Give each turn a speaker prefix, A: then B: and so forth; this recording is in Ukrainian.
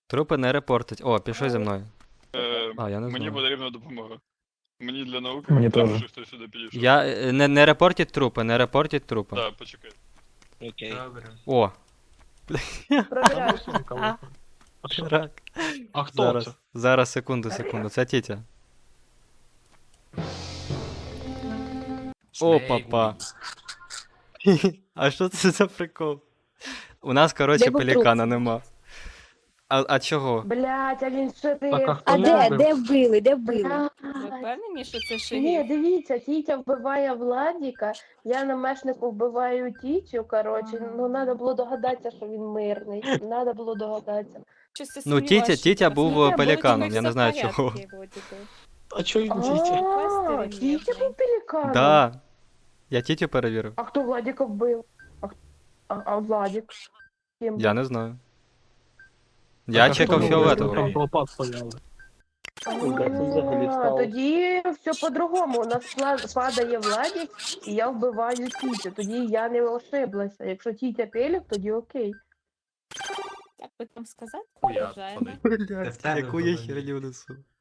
A: Трупи не репортить. О, пішли зі мною. А, я не
B: Мені
A: знаю.
B: потрібна допомога. Мені для науки
C: Мені
B: треба,
C: теж.
B: щоб хтось сюди підійшов.
A: Не репортіть трупи, не репортіть трупи.
B: Так, почекай.
D: Окей.
E: Добре.
A: О,
F: Провіряю.
A: рак.
E: А хто
A: Зараз,
E: це?
A: зараз, секунду. Це тітя. О, папа. А що це за прикол? У нас, коротше,
F: Де був
A: пелікана нема. А чого?
F: Блять, а він що ти?
E: Так, а хто
F: А
E: його
F: де?
E: вбив?
F: Де вбили?
G: Ви впевнені, що це
F: Ні,
G: шериф?
F: дивіться, Тітя вбиває Владіка, я на мешнику вбиваю Тітю, коротше, ну треба було догадатися, що він мирний. Треба було догадатися.
G: Щось ти
A: Ну,
G: сумніваєшся,
A: Тітя
G: що
A: був
G: Владіка
A: пеліканом, я не
G: все
A: знаю
G: в порядку,
A: чого.
G: Владіка.
E: А чого він дітя?
F: А,
G: Квестери
F: Тітя
G: нервний.
F: був пеліканом?
A: Да. Я тітю перевірив.
F: А хто Владіка вбив? А Владік? Ким
A: Я
F: був?
A: не знаю. Я чекав
E: Там
A: фіолетового.
E: толпа стояла.
F: А, тоді все по-другому. У нас падає Владік, і я вбиваю Тітю. Тоді я не ошиблася. Якщо Тітя пелік, тоді окей.
G: Як би там сказати?
E: Хуя,
G: Вважаємо.
E: пацани.
A: Блять, яку я херню несу.